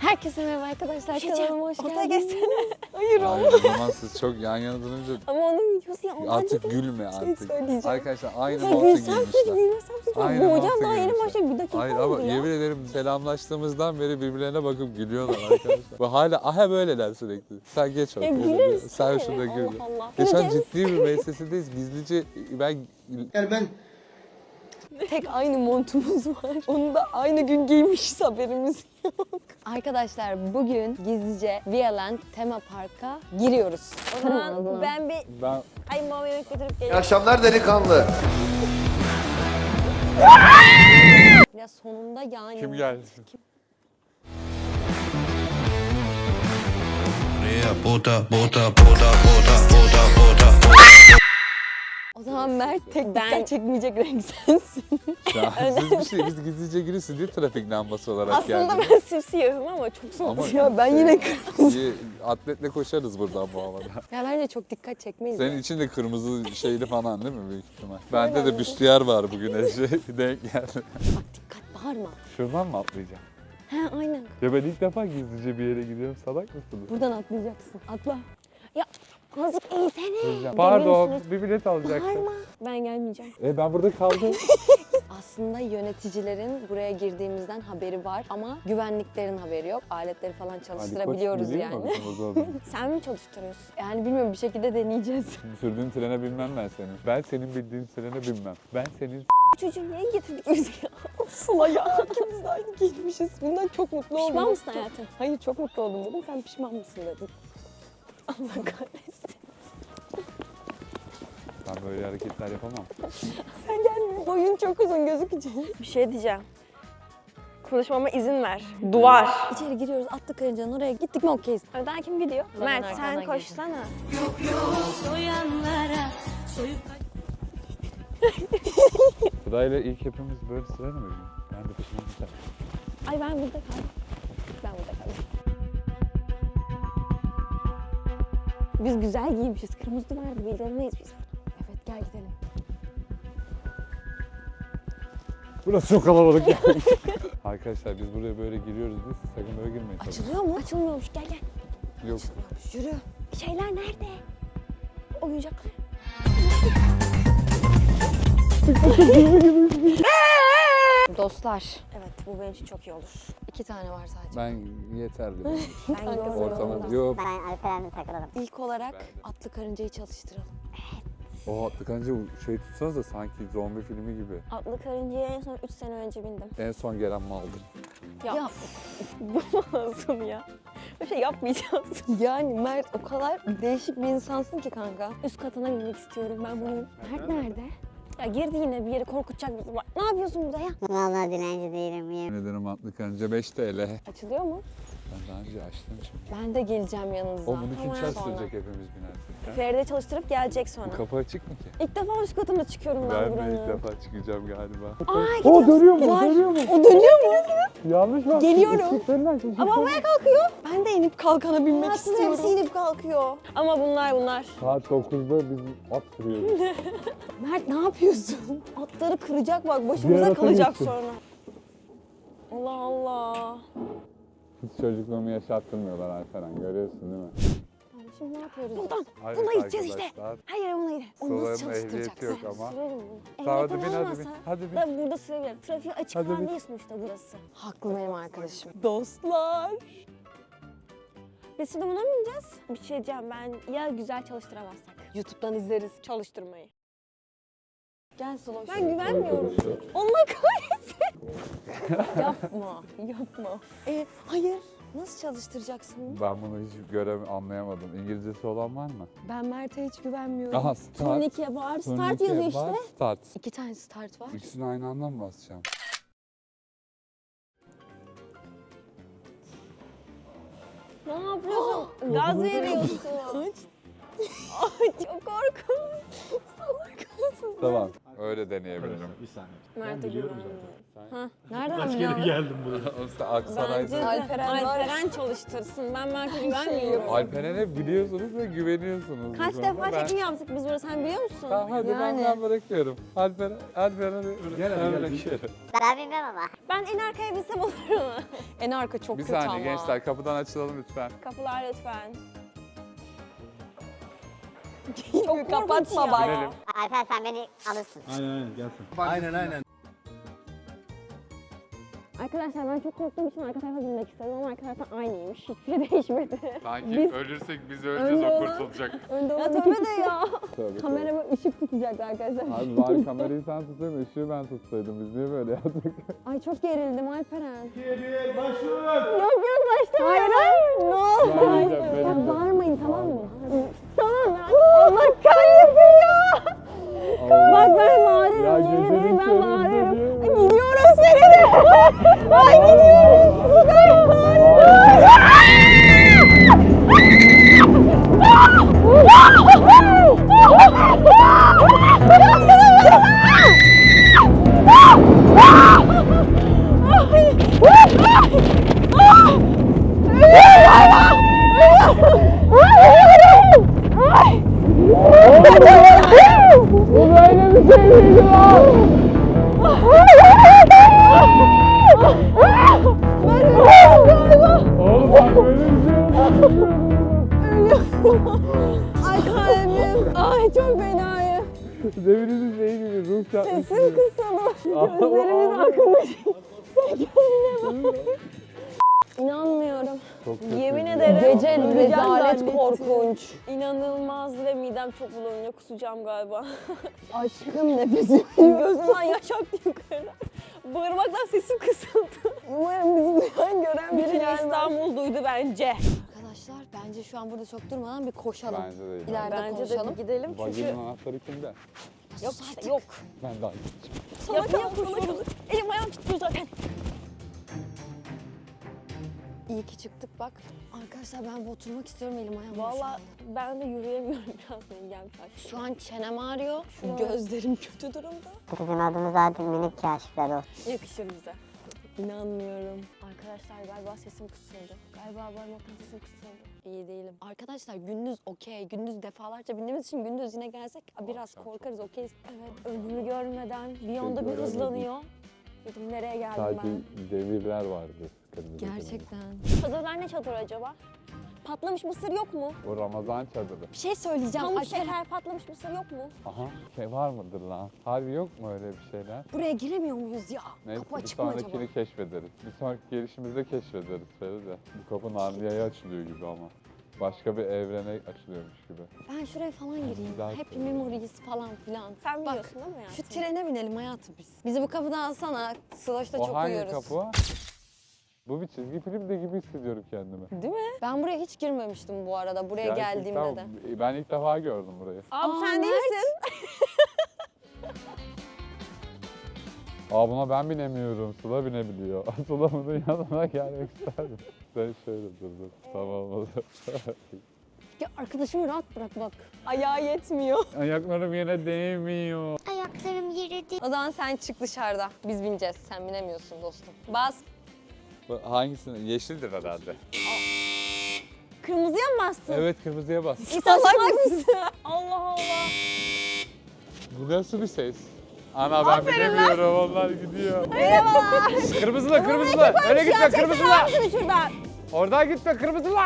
Herkese merhaba arkadaşlar. Kanalıma hoş Ortaya geldiniz. geçsene. Hayır Ay, olmaz. o zaman siz çok yan yana durunca Ama onun videosu ya. artık gülme artık. söyleyeceğim. Arkadaşlar aynı Ya montu gülsem hiç giymişler. gülmesem hiç. Aynı Boğacağım montu daha yeni giymişler. başladı. Bir dakika Hayır oldu ama ya. yemin ederim selamlaştığımızdan beri birbirlerine bakıp gülüyorlar arkadaşlar. Ve hala aha böyleler sürekli. Sen geç Ya ortaya. güleriz. Sen sana şurada ne? gül. Allah Allah. Geçen Güleceğiz. ciddi bir meclisindeyiz. Gizlice ben Tek aynı montumuz var. Onu da aynı gün giymişiz, haberimiz yok. Arkadaşlar bugün gizlice Vialand Tema Park'a giriyoruz. O zaman ben bir ben kayınbabama yemek götürüp İyi geleyim. akşamlar delikanlı. Ya sonunda yani. kim geldi? Puta, puta, puta, puta, puta, puta. O zaman Mert tek Ben çekmeyecek renk sensin. Ya, siz bir şey biz gizlice girirsin diye trafik lambası olarak Aslında geldiniz. ben simsiyahım ama çok soğuk. Ama Ya ben yine kırmızı. iyi, atletle koşarız buradan bu havada. Ya bence çok dikkat çekmeyiz. Senin için de kırmızı şeyli falan değil mi büyük ihtimal? Bende de büstiyer var bugün denk geldi. Bak dikkat bağırma. Şuradan mı atlayacağım? He aynen. Ya ben ilk defa gizlice bir yere gidiyorum. Salak mısınız? Buradan atlayacaksın. Atla. Ya azıcık eğsene. Pardon, misiniz? bir bilet alacaktım. Bağırma. Ben gelmeyeceğim. Ben burada kaldım. Aslında yöneticilerin buraya girdiğimizden haberi var ama güvenliklerin haberi yok. Aletleri falan çalıştırabiliyoruz yani. Sen mi çalıştırıyorsun? Yani bilmiyorum bir şekilde deneyeceğiz. Sürdüğün trene binmem ben senin. Ben senin bildiğin trene binmem. Ben senin Çocuğu niye getirdik biz ya? Sıla ya. İkimiz de aynı giymişiz. Bundan çok mutlu oldum. Pişman mısın hayatım? Hayır, çok mutlu oldum dedim. Sen pişman mısın dedin. Allah kahretsin. Ben böyle hareketler yapamam. Sen gelme. Boyun çok uzun gözükecek. Bir şey diyeceğim. Konuşmama izin ver. Duvar. İçeri giriyoruz attık karıncanın oraya gittik mi okeyiz. Önden kim gidiyor? Ben Mert arkadan sen koşsana. Sırayla ilk hepimiz böyle sırayla mı gidiyoruz? Ben de peşinden giderim. Ay ben burada kaldım. Ben burada kaldım. Biz güzel giymişiz. Kırmızı duvarda belli olmayız biz. Evet gel gidelim. Burası çok kalabalık ya. Arkadaşlar biz buraya böyle giriyoruz diye siz sakın böyle girmeyin tabii. Açılıyor mu? Açılmıyormuş. Gel gel. Yok. Yürü. Şeyler nerede? Oyuncaklar. Dostlar. Evet, bu benim için çok iyi olur. 2 tane var sadece. Ben yeterli benim için. Ben görmüyorum. Ortamı yok. Ben Alperen'le takılalım. İlk olarak Ben de. atlı karıncayı çalıştıralım. O tıkanca şey tutsanız da sanki zombi filmi gibi. Atlı karıncaya en son 3 sene önce bindim. En son gelen maldır. Ya. Bu nasıl ya? Bir şey yapmayacağız. Yani Mert o kadar değişik bir insansın ki kanka. Üst katına binmek istiyorum ben bunu. Mert nerede? Ya girdi yine bir yere korkutacak bizi. Bak, ne yapıyorsun burada ya? Vallahi dilenci değilim. Yemin. Neden atlı kanca 5 TL. Açılıyor mu? Ben daha önce açtım çünkü. Ben de geleceğim yanınıza. O bunu kim Tamam, çalıştıracak hepimiz binersek? ha? Feride çalıştırıp gelecek sonra. Bu kapı açık mı ki? İlk defa üst katına çıkıyorum ben, Ben de buranın. ilk defa çıkacağım galiba. Aa, gidiyor. dönüyor mu? Var. Dönüyor mu? O dönüyor mu? Yanlış mı? Geliyorum. Ama havaya kalkıyor. Ben de inip kalkana binmek Nasıl istiyorum. hepsi inip kalkıyor. Ama bunlar. Saat 9'da biz at sürüyoruz. Mert ne yapıyorsun? Atları kıracak bak, Bir başımıza arata kalacak gittim. sonra. Allah Allah. Hiç çocukluğumu yaşattırmıyorlar Alperen, görüyorsun değil mi? Tamam, şimdi ne yapıyoruz? Buradan. Hayır Buna gideceğiz işte. arkadaşlar, Hayır, buna gidelim. Onu nasıl Sıla'nın ehliyeti çalıştıracaksın? yok ama. Sürelim bunu. Tamam, hadi Ehliyetim bin, hadi olmasa bin, hadi bin. Ben burada sürebilirim. Trafiği açık Hadi falan bin. değil sonuçta burası. Haklı benim arkadaşım. Dostlar. Biz şimdi buna mı bineceğiz? Bir şey diyeceğim, ben ya güzel çalıştıramazsak. YouTube'dan izleriz. Çalıştırmayı. Gel Slow. Ben güvenmiyorum. Allah kahretsin. Yapma. Hayır. Nasıl çalıştıracaksın bunu? Ben bunu hiç anlayamadım. İngilizcesi olan var mı? Ben Mert'e hiç güvenmiyorum. Aha start. Turnikiye var. Start Turnike yazıyor var, işte. Start. 2 tane start var. İkisini aynı anda mı basacağım? Ne yapıyorsun? Gaz veriyorsun. Ay çok korkunç. Salak mısın? Tamam. Öyle deneyebilirim. Bir saniye. Mert'e biliyorum güvenmiyorum. Nereden Kaç kere biliyorsun? geldim buraya. O işte Aksaray'da. Alperen çalıştırsın. Ben Mert'e güvenmiyorum. Alperen'e biliyorsunuz ve güveniyorsunuz. bu Kaç konuda. defa çekim yaptık biz burada, sen biliyor musun? Tamam hadi Yani. ben bırakıyorum. Alperen'e Gel hadi, gel. bırakıyorum. Ben bilmem ama. Ben en arkaya binsem olur mu? En arka çok Bir kötü saniye ama. gençler kapıdan açılalım lütfen. Kapılar lütfen. Çok kapatma ya. bak. Binelim. Alper sen beni alırsın. Aynen gelsin. Arkadaşlar ben çok korktuğum için arka tarafa binmek istedim ama arka tarafta aynıymış. Hiçbir şey değişmedi. Sanki ölürsek biz öleceğiz o kurtulacak. Önde Ya olan tövbe iki de kişi ya. Tabii, kamerama ışık tutacak arkadaşlar. Abi bari kamerayı sen tutsaydın, ışığı ben tutsaydım. Biz niye böyle yaptık? Ay çok gerildim Alperen. Başlıyoruz. Yok başlamayın. Ne oldu? Ben yiyeceğim, ben Ya yiyeceğim. bağırmayın tamam mı? Tamam ya. Allah kahretsin ya. Bak ben bağırırım. Ya Yemin gecenin ederim ben köründe bağırırım. diyor. Gidiyoruz seninle. Ay gidiyoruz. Bu kadar Oğlum bak böyle bir şey Ay kalbim. Ay çok fenayım. Deminizin şeyi gibi ruh çarpmış. Sesim kısıldı. Gözlerimiz akmış. İnanmıyorum. Çok kötü. Yemin ederim. Gece öleceğim rezalet zannettim. korkunç. İnanılmazdı ve midem çok bulanıyor. Kusacağım galiba. Aşkım nefesim. Gözümden yaş aktı yukarı. Bağırmaktan sesim kısıldı. Umarım bizi duyan gören biri Bütün gelmez. İstanbul duydu bence. Arkadaşlar bence şu an burada çok durmadan bir koşalım. Bence de değil. İleride Bence de konuşalım. bir gidelim çünkü... Vaginin anahtarı kimde? Yok işte yok. Ben de aynı. Sana kalk. Elim ayağım tutuyor zaten. İyi ki çıktık bak. Arkadaşlar ben bir oturmak istiyorum elim ayağım. Valla ben de yürüyemiyorum, biraz engel taş. Şu an çenem ağrıyor. Şuraya. Gözlerim kötü durumda. Bizim adımız zaten minik kaşifler o. Yakışır bize. İnanmıyorum. Arkadaşlar galiba sesim kısıldı. Galiba bağırmaktan sesim kısıldı. İyi değilim. Arkadaşlar gündüz okey. Gündüz defalarca bindiğimiz için gündüz yine gelsek biraz korkarız okeyiz. Evet, önümü görmeden bir anda bir göremedim. hızlanıyor. Dedim nereye geldim Sadece ben? devirler vardı. Kırmızı Gerçekten. Çadırlar ne çadırı acaba? Patlamış mısır yok mu? kırmızı. O Ramazan çadırı. Bir şey söyleyeceğim. Pamuk Alperen, şeker patlamış mısır yok mu? Aha şey var mıdır lan? Harbi yok mu öyle bir şeyler? buraya giremiyor muyuz ya? Neyse Kapı bir açık mı acaba? sonrakini keşfederiz. Bir sonraki gelişimizde keşfederiz Feride. Bu kapı Narnia'ya açılıyor gibi ama. Başka bir evrene açılıyormuş gibi. Ben şuraya falan gireyim. Güzel Happy söylüyor. Memories falan filan. Sen Bak, biliyorsun değil mi hayatım? şu trene binelim hayatım biz. Bizi bu kapıdan alsana. Sloş'ta O çok hangi uyuyoruz. kapı? Bu bir çizgi film de gibi hissediyorum kendimi. Değil mi? Ben buraya hiç girmemiştim bu arada. Buraya geldiğimde de. Ben ilk defa gördüm burayı. Abi Aa, sen Mert. değilsin. Aa buna ben binemiyorum. Sıla binebiliyor. Sıla bunun yanına gelmek isterdim. Sen şöyle dur. Tamam olur. Ya arkadaşımı rahat bırak bak. Ayağı yetmiyor. Ayaklarım yine değmiyor. Ayaklarım yere değil. O zaman sen çık dışarıda. Biz bineceğiz. Sen binemiyorsun dostum. Bas. Hangisini? Yeşildir herhalde. Kırmızıya mı bastın? Evet kırmızıya bas. Salak mısın? Allah Allah. Bu nasıl bir ses? Ana ben binemiyorum onlar gidiyor. Merhabalar. Kırmızıla kırmızıla. Öyle gitme kırmızıla. Şunu şuradan. Oradan gitme kırmızıla.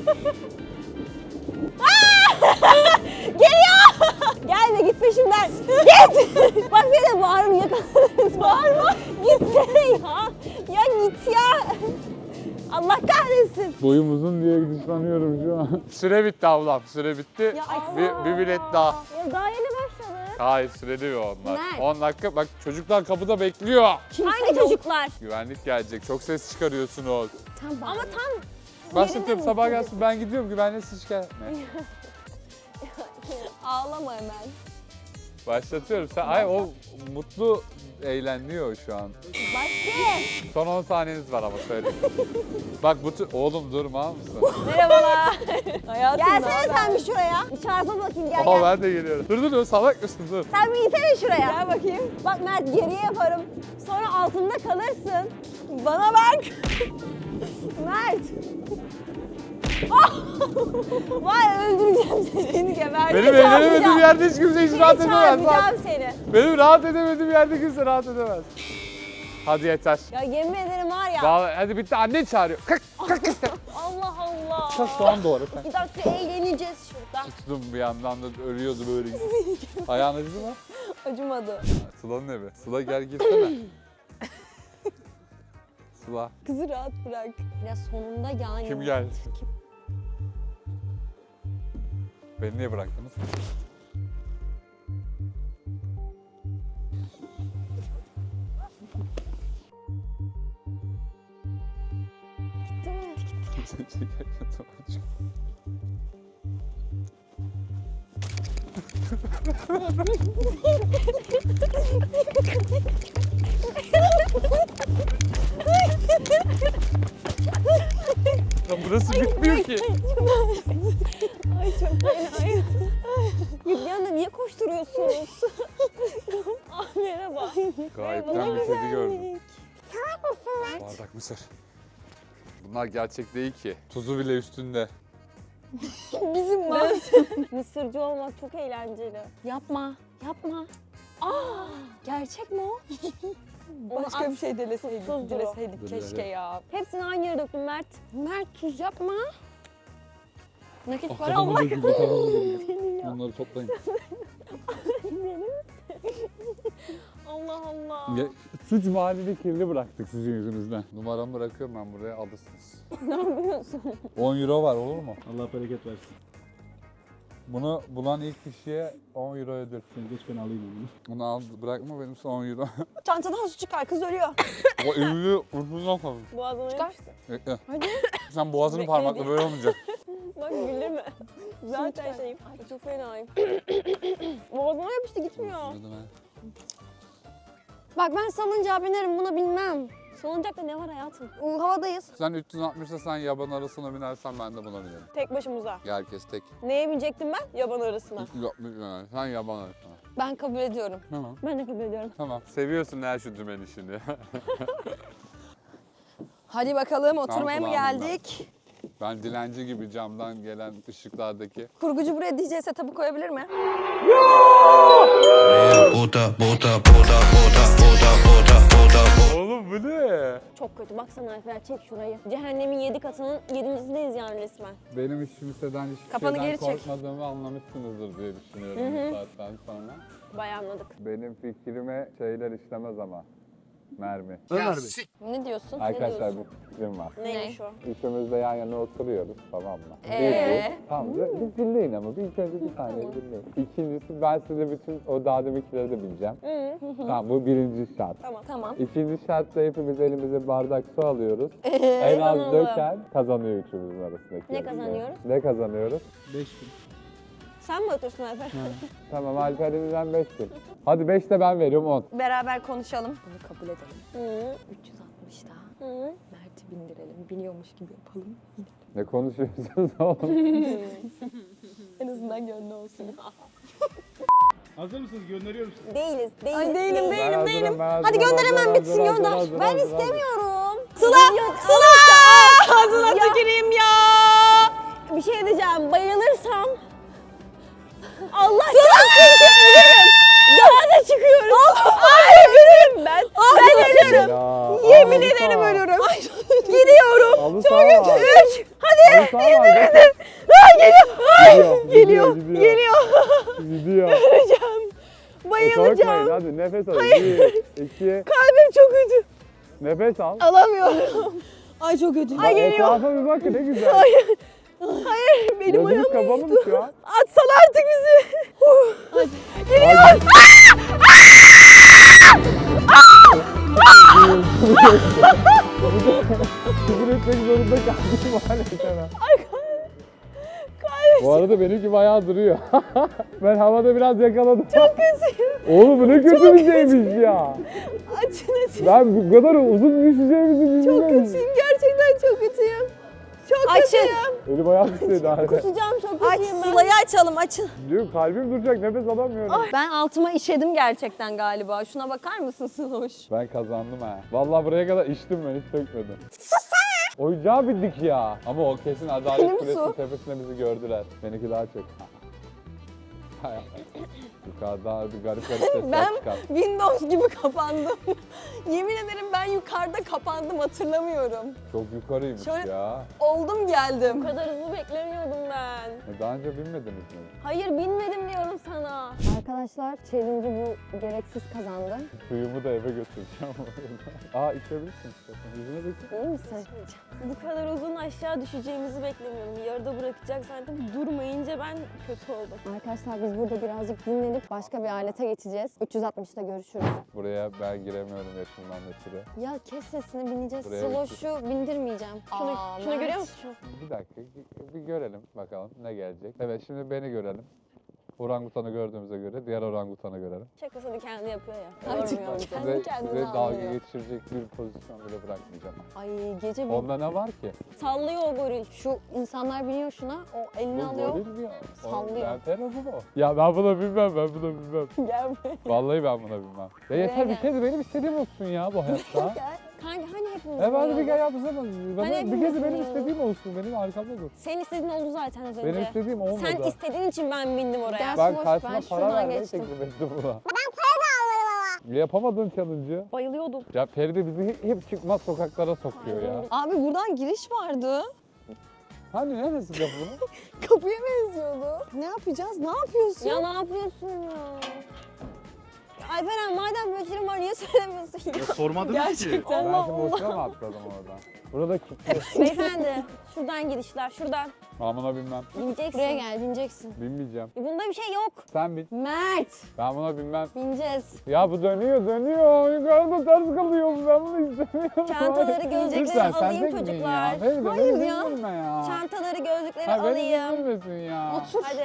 Geliyor. Gelme git peşimden. Git. Bak bir de bağırın yakalarız. Bağırma. Gitsene ya. Ya git ya. Allah kahretsin. Boyum uzun diye dışlanıyorum şu an. Süre bitti ablam süre bitti. Ya Bir bilet daha. Ya daha yeni başladı. Hayır süreli onlar. Mert. 10 dakika bak çocuklar kapıda bekliyor. Hangi çocuklar? Güvenlik gelecek çok ses çıkarıyorsunuz. Tam Ama tam Başlatıyorum sabah gelsin ben gidiyorum güvenlik siz şikayet. Ne? ağlama hemen. Başlatıyorum. Sen ay o mutlu eğleniyor şu an. Başlayın. Son 10 saniyeniz var ama söyleyeyim. Bak oğlum durma mısın? Merhabalar. Hayatım Gelsene sen bir şuraya. Bir çarpa bakayım gel Aa gel. ben de geliyorum. Dur salak mısın dur. Sen bir insene şuraya. Gel bakayım. Bak Mert geriye yaparım. Sonra altında kalırsın. Bana bak. Mert. Ah! Vay öldüreceğim seni. Seni geberdim. Benim eğlenemediğim yerde hiç kimse hiç rahat Seni edemez lan. çarpacağım seni. Benim rahat edemediğim yerde kimse rahat edemez. Hadi yeter. Ya yemin ederim var ya. Vallahi, hadi bitti annen çağırıyor. Kalk Allah Allah. kalk soğan doğru. Bir dakika eğleneceğiz şurada. Tuttum bir yandan da ölüyordu böyle. Ayağın acıdı mı? Acımadı. Sıla'nın evi. Sıla gel girsene. Sıla. Kızı rahat bırak. Ya sonunda yani. Kim geldi? Beni niye bıraktınız? Gitti mi? Ya burası bitmiyor ki. Ay çok fena. Yüklüyorsun da niye koşturuyorsunuz? Ah merhaba. Gayipten bir kedi gördüm. Bardak mısır. Bunlar gerçek değil ki. Tuzu bile üstünde. Bizim Mısırcı olmak çok eğlenceli. Yapma. Yapma. Aa, gerçek mi o? Başka bir şey dileseydik. Tuzlu. Dileseydik Dur, keşke hadi. ya. Hepsini aynı yere döktüm Mert. Mert tuz yapma. Nakit para Kafamı Allah. döküldü, kafamı döküldü. Onları toplayın. Allah Allah. Ya, suç mahallini kirli bıraktık sizin yüzünüzden. Numaramı bırakıyorum ben buraya alırsınız. Ne yapıyorsun? 10 euro var olur mu? Allah bereket versin. Bunu bulan ilk kişiye 10 euro ödül. Sen geç ben alayım onu. Bunu al bırakma benim 10 euro. Çantadan su çıkar kız ölüyor. O ünlü uzundan kalın. Boğazına Çıkar. yapıştı. Bekle. Hadi. Sen boğazını Bekle parmakla diye. böyle olmayacak. Bak güldürme. Zaten çıkar. şeyim. Ay çok fenayım. Boğazıma yapıştı gitmiyor. Bak ben salıncağa binerim buna binmem. Salıncakta ne var hayatım? Havadayız. Sen 360'da sen yaban arasına binersen ben de buna binerim. Tek başımıza. Herkes tek. Neye binecektim ben? Yaban arasına. Yok, yani sen yaban arasına. Ben kabul ediyorum. Tamam. Ben de kabul ediyorum. Tamam. Seviyorsun her şu dümen işini. Hadi bakalım oturmaya mı kulağımdan. geldik? Ben dilenci gibi camdan gelen ışıklardaki. Kurgucu buraya DJ setup'ı koyabilir mi? Bota, bota, bota, bota, bota, bota, bota. Oğlum bu ne? Çok kötü. Baksana Alper çek şurayı. Cehennemin 7 katının 7.sindeyiz yani resmen. Benim hiç kimseden hiçbir Kafanı şeyden geri çek. korkmadığımı anlamışsınızdır diye düşünüyorum bu saatten sonra. Bayağı anladık. Benim fikrime şeyler işlemez ama. Mermi. Ömer Bey. Ne diyorsun? Arkadaşlar bir fikrim var. Neymiş o? Üçümüz de yan yana oturuyoruz tamam mı? Ee? Tamam bir dinleyin ama bir ilk önce bir saniye dinleyin. İkincisi ben size bütün o daha deminkileri de bileceğim. Tamam bu birinci şart. Tamam. İkinci şartta hepimiz elimize bardak su alıyoruz. En az Kazanalım. döken kazanıyor üçümüzün arasındaki. Ne yarışmayı. kazanıyoruz? Ne kazanıyoruz? 5000. Sen mi otursun Alper? Tamam Alper'imizden 5 bin. Hadi 5 de ben veriyorum 10. Beraber konuşalım. Bunu kabul edelim. Hı. 360 daha. Hı. Mert'i bindirelim. Biniyormuş gibi yapalım. Ne konuşuyorsunuz oğlum? En azından gönlü olsun. Hazır mısınız? Gönderiyorum sizi. Değiliz. Ay değilim Ben hazırım, ben hazırım, Hadi gönder hemen hazır, bitsin hazır, gönder. hazır, Ben hazır, hazır. istemiyorum. Sıla! Ağzına tüküreyim ya! Bir şey diyeceğim. Bayılırsam Allah kahretsin ölürüm. Daha da çıkıyoruz. Ay ölürüm ben. Ben ölürüm. Ya, Yemin ederim ölürüm. Gidiyorum. Halı saha var. 3. Hadi. Halı saha var. Misin? Ay geliyor. Geliyor. Gidiyor. Öleceğim. Korkmayın Bayılacağım. hadi nefes al. 1, 2, Kalbim çok kötü. nefes al. Alamıyorum. Ay çok kötü. Ay geliyor. Etrafa bir bakın ne güzel. Hayır. Benim ayağım Gözünüz kapalı mı şu an? Atsana artık bizi. Geliyor. Küfür etmek zorunda kaldım maalesef. Kalbim Bu arada benimki bayağı duruyor. Ben havada biraz yakaladım. Çok kötü. Oğlum bu ne kötü bir şeymiş ya. Açın. Ben bu kadar uzun düşeceğimizi Çok bilmiyorum. kötüyüm. Gerçekten çok kötüyüm. Çok kötüyüm. Elim ayağım titredi hala. Kusacağım, çok kötüyüm ben. Sıla'yı açalım, açın. Diyor kalbim duracak, nefes alamıyorum. Ben altıma işedim gerçekten galiba. Şuna bakar mısın Sıloş? Ben kazandım ha. Vallahi buraya kadar içtim ben, hiç dökmedim. Oyuncağa bindik ya. Ama o kesin Adalet Benim Kulesi'nin su. tepesinde bizi gördüler. Benimki daha çok. Yukarıdan bir garip garip sesler Ben çıkar. Windows gibi kapandım. Yemin ederim ben yukarıda kapandım, hatırlamıyorum. Çok yukarıymış Şöyle- ya. Oldum geldim. Bu kadar hızlı beklemiyordum ben. Daha önce binmediniz mi? Hayır binmedim diyorum sana. Arkadaşlar challenge'ı bu gereksiz kazandı. Suyumu da eve götüreceğim. Aa içebilirsin istiyorsan. Yüzüne dökün. İyi misin? Bu kadar uzun aşağı düşeceğimizi beklemiyordum. Yarıda bırakacak zannettim. Durmayınca ben kötü oldum. Arkadaşlar biz burada birazcık dinlenip başka bir alete geçeceğiz. 360'ta görüşürüz. Buraya ben giremiyorum yaşımdan ötürü. Ya kes sesini, bineceğiz. Buraya Sloş'u bindirmeyeceğim. Şunu Mert. görüyor musun? Bir dakika bir görelim bakalım ne gelecek. Evet şimdi beni görelim. Orangutanı gördüğümüze göre diğer orangutanı görelim. Şakasını kendi yapıyor ya. Gerçekten. Size, Kendi kendine size dalga anlıyor. geçirecek bir pozisyon bile bırakmayacağım. Ay gece bir Onda ne var ki? Sallıyor o goril. şu insanlar biniyor şuna, o elini Bu alıyor. goril mi ya? Sallıyor. Ben tarafım o. Ya ben buna bilmem, ben buna bilmem. Gel buraya. Vallahi ben buna bilmem. Ya yeter bir gel. kez benim istediğim olsun ya bu hayatta. Kanka hani hepimiz Evet hadi bir biniyorduk? kere yapsana. Bana Hani bir kez hepimiz benim biniyorduk. istediğim olsun. Benim arkamda dur. Senin istediğin oldu zaten az önce. Benim istediğim olmadı. Sen istediğin için ben bindim oraya. Gel. Ben Sloş, karşıma ben para şuradan vermeyi geçtim. teklif ettim buna. Ben para da almadım ama. Yapamadığın challenge'ı. Bayılıyordum. Ya Feride bizi hep çıkmaz sokaklara sokuyor ya. Abi buradan giriş vardı. Hani neresi kapı bunun? Kapıya benziyordu. Ne yapacağız? Ne yapıyorsun? Ya ne yapıyorsun ya? Alperen madem böyle şeyler var niye söylemiyorsun ya? Sormadınız ki. Gerçekten. Ben Allah şimdi Allah. boşuna mı atladım oradan? Burada kilitli. Beyefendi şuradan gidişler şuradan. Ben buna binmem. Bineceksin. Buraya gel, bineceksin. Binmeyeceğim. Bunda bir şey yok. Sen bin. Mert! Ben buna binmem. Bineceğiz. Ya bu dönüyor. Yukarıda ters kalıyor. Ben bunu istemiyorum. Çantaları, gözlükleri Lütfen, sen alayım tek bin çocuklar. Ya. Feride, Hayır beni ya. üzülme ya. Çantaları, gözlükleri Ha, beni alayım. üzülmesin ya. Otur. Hadi.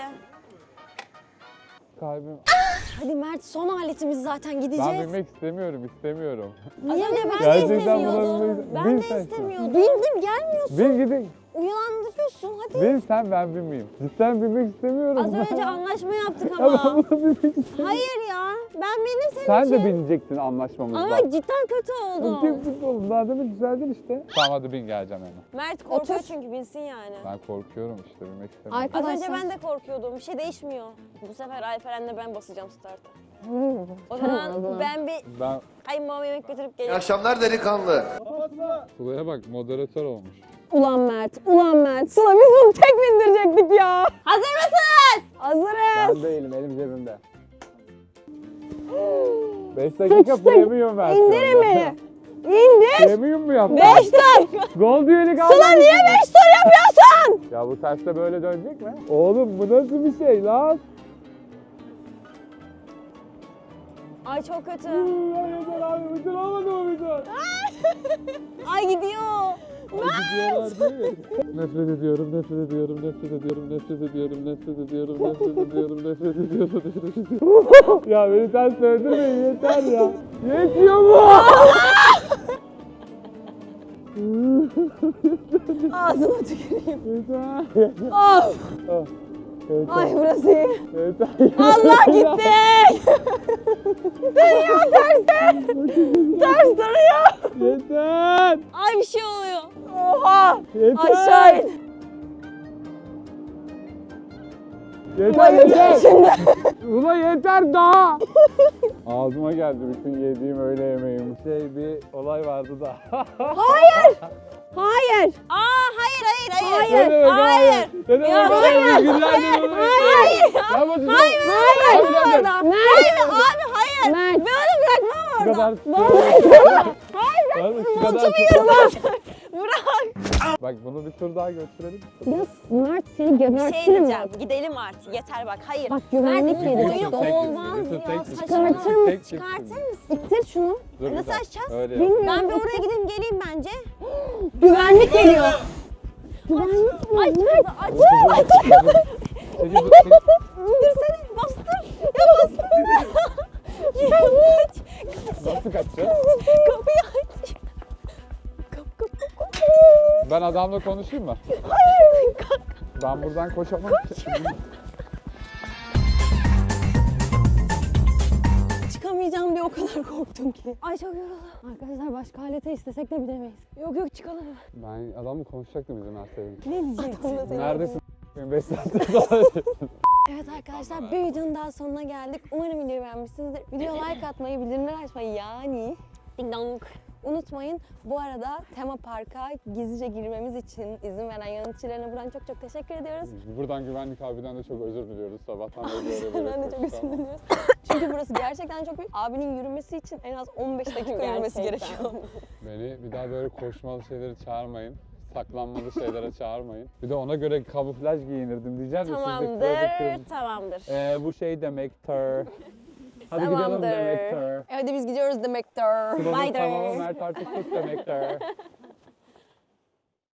Kalbim. Hadi Mert, son aletimiz zaten, Ben gideceğiz. binmek istemiyorum. Az önce ben de Gerçekten istemiyordum. buna Ben bin de sen. istemiyordum. Bindim, gelmiyorsun. Bin gidin. Uyandırıyorsun, hadi. Bin sen ben binmeyeyim. Cidden binmek istemiyorum. Az önce anlaşma yaptık Ya ben ama. buna binmek istemiyorum. Hayır ya. Ben bindim senin Sen için. de binecektin anlaşmamızda. Ama cidden kötü oldum. Çok oldum. Daha demin düzeldin işte. Tamam hadi bin geleceğim hemen. Mert korkuyor Otur. çünkü binsin yani. Ben korkuyorum işte binmek istemiyorum. Az önce Arkadaşlar. ben de korkuyordum. Bir şey değişmiyor. Bu sefer Alperen'le ben basacağım start'a. O Tamam, zaman o zaman. ben bir Ben kayınbabama yemek götürüp İyi geleyim. akşamlar delikanlı. Kula'ya bak moderatör olmuş. Ulan Mert, ulan Mert. Sıla biz bunu tek bindirecektik ya. Hazır mısınız? Hazırız. Ben değilim elim cebimde. 5 dakika premium versiyonu. İndirin beni. İndir. Premium mu yaptın? 5 tur. Gold üyelik aldın. Sıla niye 5 tur yapıyorsun? Ya bu terste böyle dönecek mi? Oğlum bu nasıl bir şey lan? Ay çok kötü. Ya yeter abi bütün olmadı mı bütün? Ay gidiyor. Gidiyorlar değil mi? Nefret ediyorum, nefret ediyorum, nefret ediyorum, nefret ediyorum, nefret ediyorum, nefret ediyorum, nefret ediyorum, nefret ediyorum. Ya beni ters öldürmeyin yeter ya. Yetiyor mu? Ağzına tüküreyim. Yeter. Of. Ah, yeter. Ay burası iyi. Yeter. Allah gitti. Dönüyor terste. Ters duruyor. Yeter. Ay bir şey oluyor. Oha. Yeter. Aşağı in. Yeter yeter. Ulan yeter daha. Ağzıma geldi bütün yediğim öğle yemeğim. Bir olay vardı da. Hayır. Aa hayır. Ne demek Hayır. Ne demek Ya, hayır? Günlerdir Hayır. Ya bu Hayır. Hayır. Hayır abi hayır. Mert. Ben onu bırakmam Şu orada. kadar. Hayır. Şu kadar. Bırak. Bak bunu bir tur daha götürelim. Ya Mert seni Şey gebertirim diyeceğim. bak. Gidelim artık. Yeter bak. Hayır. Bak güvenlik Mert, yeri. oyunu Tek- olmaz Yusuf, ya. tek- Saçmalama. Çıkartır mısın? Tek- Çıkartır mısın? İttir şunu. Dur bir Nasıl dakika. açacağız? Öyle yap. Bilmiyorum. Ben bir oraya gideyim geleyim bence. Güvenlik geliyor. Güvenlik Aç geliyor. kızı aç. İndirsene, bastır. Ya bastır. Ya aç. Nasıl kaçacağız? Kapıyı aç. Kap. Ben adamla konuşayım mı? Ben buradan koşamam. Çıkamayacağım diye o kadar korktum ki. Ay çok yoruldum. Arkadaşlar başka alete istesek de bilemeyiz. Yok çıkalım. Ben adamla konuşacaktım izin verseydin. Ne diyeceksin? Neredesin? 5 saattir daha. Evet arkadaşlar bir videonun daha sonuna geldik. Umarım videoyu beğenmişsinizdir. Videoya like atmayı, bildirimleri açmayı yani ding dong unutmayın. Bu arada tema parka gizlice girmemiz için izin veren yöneticilerine buradan çok teşekkür ediyoruz. Buradan güvenlik abiden de çok özür diliyoruz. Sabahtan beri böyle Ben de çok özür diliyoruz. Çünkü burası gerçekten çok büyük. Abinin yürümesi için en az 15 dakika yürümesi gerekiyor. Beni bir daha böyle koşmalı şeyleri çağırmayın. Saklanmalı şeylere çağırmayın. Bir de ona göre kamuflaj giyinirdim diyeceğim de Tamamdır, tamamdır. bu şey demektir. Hadi gidelim Tamamdır. demektir. Hadi biz gidiyoruz demektir. Tamamı Bye. Mert artık tut demektir.